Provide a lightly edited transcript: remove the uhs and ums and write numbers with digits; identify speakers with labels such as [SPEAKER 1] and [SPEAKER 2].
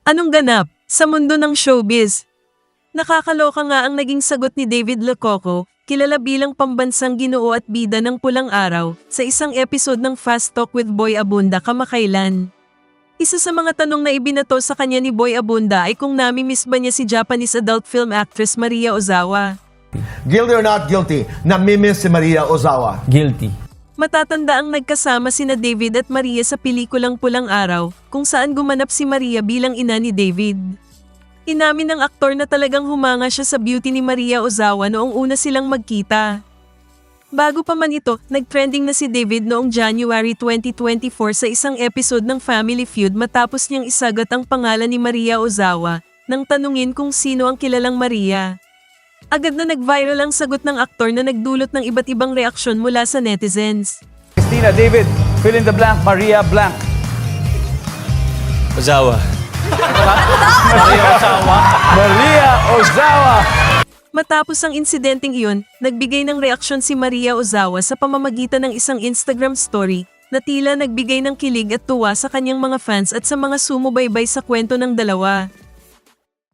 [SPEAKER 1] Anong ganap sa mundo ng showbiz? Nakakaloka nga ang naging sagot ni David Lococo, kilala bilang pambansang ginoo at bida ng Pulang Araw, sa isang episode ng Fast Talk with Boy Abunda kamakailan. Isa sa mga tanong na ibinato sa kanya ni Boy Abunda ay kung nami-miss ba niya si Japanese adult film actress Maria Ozawa.
[SPEAKER 2] Guilty or not guilty, namimiss si Maria Ozawa.
[SPEAKER 3] Guilty.
[SPEAKER 1] Matatanda ang nagkasama sina David at Maria sa pelikulang Pulang Araw, kung saan gumanap si Maria bilang ina ni David. Inamin ng aktor na talagang humanga siya sa beauty ni Maria Ozawa noong una silang magkita. Bago pa man ito, nagtrending na si David noong January 2024 sa isang episode ng Family Feud matapos niyang isagat ang pangalan ni Maria Ozawa, nang tanungin kung sino ang kilalang Maria. Agad na nag-viral ang sagot ng aktor na nagdulot ng iba't ibang reaksyon mula sa netizens.
[SPEAKER 4] Christina, David, fill in the blank, Maria blank.
[SPEAKER 3] Ozawa.
[SPEAKER 4] Maria Ozawa!
[SPEAKER 1] Matapos ang insidenteng iyon, nagbigay ng reaksyon si Maria Ozawa sa pamamagitan ng isang Instagram story na tila nagbigay ng kilig at tuwa sa kanyang mga fans at sa mga sumubaybay sa kwento ng dalawa.